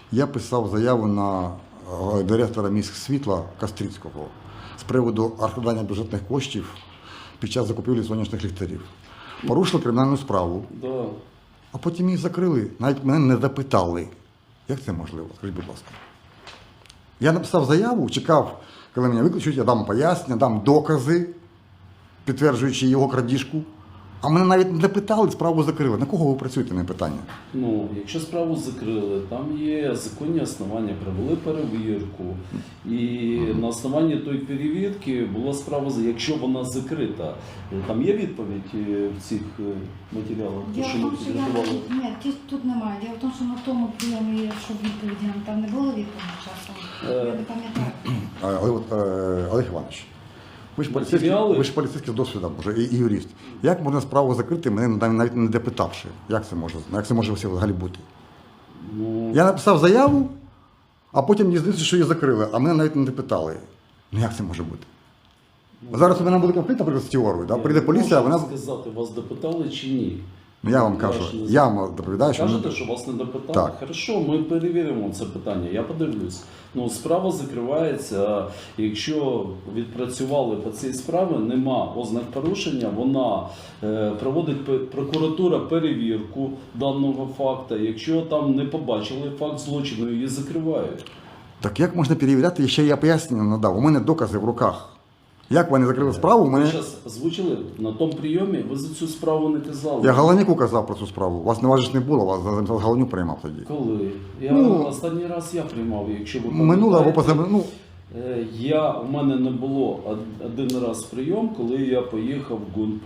Я писав заяву на директора міськсвітла Кастрицького з приводу розкрадання бюджетних коштів під час закупівлі сонячних ліхтарів. Порушили кримінальну справу, Да. а потім їх закрили. Навіть мене не запитали. Як це можливо? Скажіть, будь ласка. Я написав заяву, чекав, коли мене виключать, я дам пояснення, дам докази, підтверджуючи його крадіжку. А мене навіть не запитали, справу закрили. На кого ви працюєте, не питання? Ну, якщо справу закрили, там є законні основання, провели перевірку. І на основанні тої перевірки була справа, якщо вона закрита. Там є відповідь в цих матеріалах? Діло в тому, що ні, тут немає. Діло в тому, що на тому прийомі, що відповіді нам там не було відповіді часом. Я не пам'ятаю. Олег Іванович, ви ж Матеріали? поліцейський з досвідом вже і юрист. Як можна справу закрити, мене навіть не допитавши? Як це може взагалі бути? Ну, Я написав заяву, а потім дізнався, що її закрили, а мене навіть не допитали. Ну як це може бути? Зараз у мене буде конфлікт, наприклад, з теорією. Да? Прийде поліція, а вона... сказати, вас допитали чи ні? Ну, я вам кажу, я вам доповідаю, що... Кажете, що вас не допитали? Так. Хорошо, ми перевіримо це питання, я подивлюсь. Ну, справа закривається, якщо відпрацювали по цій справі, нема ознак порушення, вона проводить прокуратура перевірку даного факту. Якщо там не побачили факт злочину, її закривають. Так як можна перевіряти, ще я пояснення надав, у мене докази в руках. Як вони закрили справу, у Ви мене... зараз озвучили на тому прийомі, ви за цю справу не казали. Я Галанюку казав про цю справу. Вас не важиш не було, вас Галанюк приймав тоді. Коли? Останній раз я приймав, якщо ви Минуло або пам'ятаєте. позаминуло. У мене не було один раз прийом, коли я поїхав в ГУНП.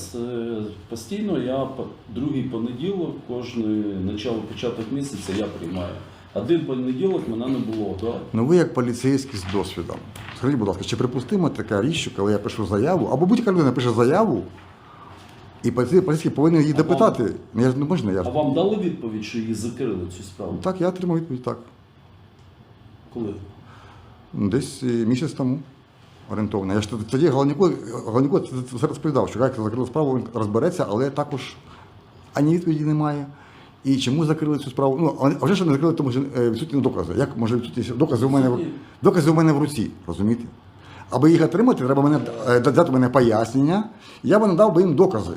Постійно я другий понеділок, кожний початок місяця я приймаю. Один понеділок мене не було. Да? Ну ви як поліцейський з досвідом. Скажіть, будь ласка, чи припустимо така річ, що коли я пишу заяву, або будь-яка людина пише заяву, і поліцейський повинен її допитати. Я ж не можна, я ж... А вам дали відповідь, що її закрили, цю справу? Так, я отримав відповідь, так. Коли? Десь місяць тому орієнтовно. Я ж тоді Галанюку це розповідав, що як закрили справу, він розбереться, але також ані відповіді немає. І чому закрили цю справу? Ну, а вже що не закрили, тому що відсутні докази. Як може відсутні докази у мене в руці, розумієте? Аби їх отримати, треба дати мене пояснення, і я б надав би їм докази.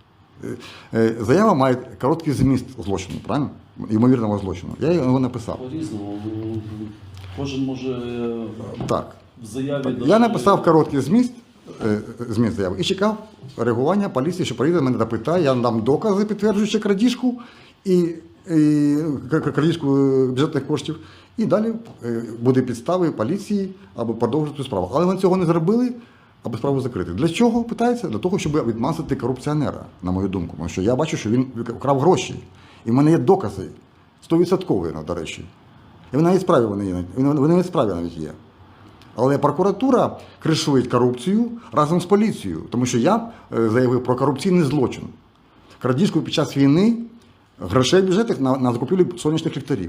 Заява має короткий зміст злочину, правильно? Ймовірного злочину. Я його написав. По-різному. Кожен може Так. в заяві... Я написав короткий зміст заяви і чекав реагування поліції, що приїде, мене допитає, я надам докази, підтверджуючи крадіжку і крадіжку бюджетних коштів. І далі буде підстави поліції, аби продовжити цю справу. Але вони цього не зробили, аби справу закрити. Для чого, питається? Для того, щоб відмазати корупціонера, на мою думку. Тому що я бачу, що він вкрав гроші. І в мене є докази, 100%, до речі. І вони навіть справі навіть є. Але прокуратура кришує корупцію разом з поліцією, тому що я заявив про корупційний злочин. Крадіжку під час війни грошей бюджетних на закупівлю сонячних ліхтарів.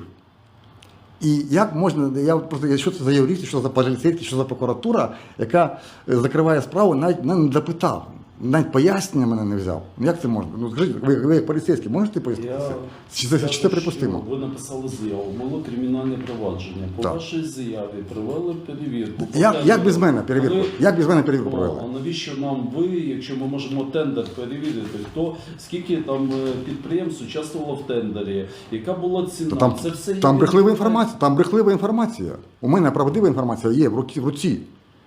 І як можна, що це за юристи, що за поліцейські, що за прокуратура, яка закриває справу, навіть мене не запитав, навіть пояснення мене не взяв. Ну як це можна? Ну скажіть, ви як поліцейські, можете пояснити це? Чи це припустимо? Ви написали заяву, було кримінальне провадження. По вашій заяві провели перевірку. Як без мене перевірку? Як без мене перевірку провели? А навіщо нам ви, якщо ми можемо тендер перевірити, скільки там підприємств участвувало в тендері, яка була ціна? Це все там брехлива інформація. У мене правдива інформація є в руці.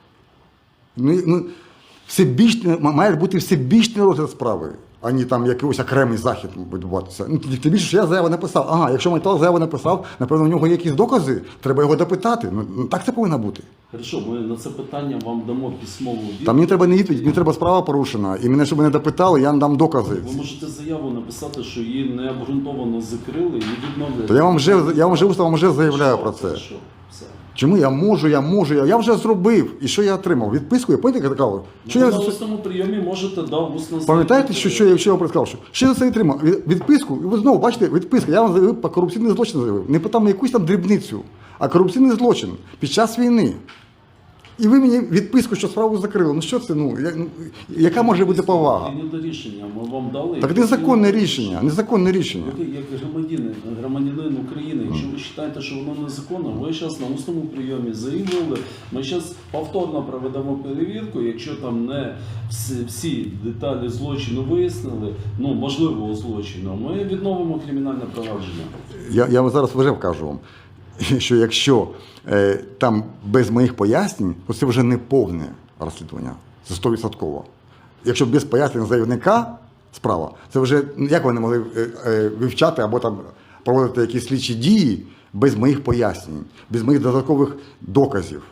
Має бути всебічний розгляд справи, а не там якийсь окремий захід відбуватися. Тим більше, що я заяву написав. Ага, якщо Майтал заяву написав, напевно, у нього є якісь докази, треба його допитати. Ну, так це повинно бути. Хорошо, ми на це питання вам дамо письмову відповідь. Там мені треба не відповідь, мені треба справа порушена. І мене, щоб мене допитали, я надам докази. Ви можете заяву написати, що її необґрунтовано закрили і відновлять. То я вам вже уставом заявляю про це. Що? Все. Чому я можу, я вже зробив. І що я отримав? Відписку, я пам'ятаєте, казав? На усному прийомі можете усно... Пам'ятаєте, що я вам сказав? Що я за це отримав? Відписку, і ви знову бачите, відписка. Я вам заявив, по корупційний злочин заявив. Не по там якусь там дрібницю, а корупційний злочин під час війни. І ви мені відписку, що справу закрили. Ну що це? Яка може бути повага? Згідно до рішення ми вам дали. Так незаконне рішення, незаконне рішення. Ви як громадянин України, якщо ви вважаєте, що воно незаконно, ви зараз на усному прийомі заявили, ми зараз повторно проведемо перевірку, якщо там не всі деталі злочину вияснили, можливого злочину, ми відновимо кримінальне провадження. Я вам зараз вже кажу вам, що якщо там без моїх пояснень, то це вже не повне розслідування. Це 100%. Якщо без пояснень заявника справа, це вже як вони могли вивчати або там проводити якісь слідчі дії без моїх пояснень, без моїх додаткових доказів,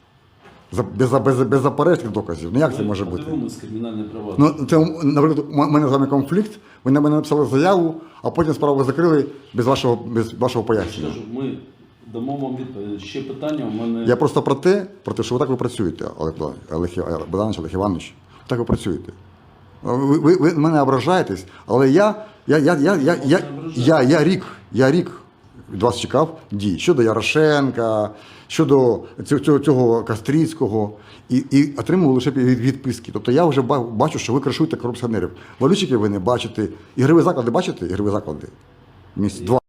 без заперечних доказів. Ну як це може бути? Подивимось кримінальне провадження. Це, наприклад, у мене з вами конфлікт, ви на мене написали заяву, а потім справу закрили без вашого пояснення. Скажу, ми дамо вам відповідь. Ще питання у мене. Я просто про те, що ви так ви працюєте, Олег Богданович, Олег Іванович, так ви працюєте. Ви мене ображаєтесь, але я рік від вас чекав дій щодо Ярошенка, щодо цього Кастрицького, і отримував лише відписки. Тобто я вже бачу, що ви кришуєте корупціонерів. Валютчиків ви не бачите. Ігрові заклади бачите? Ігрові заклади. Місць 2.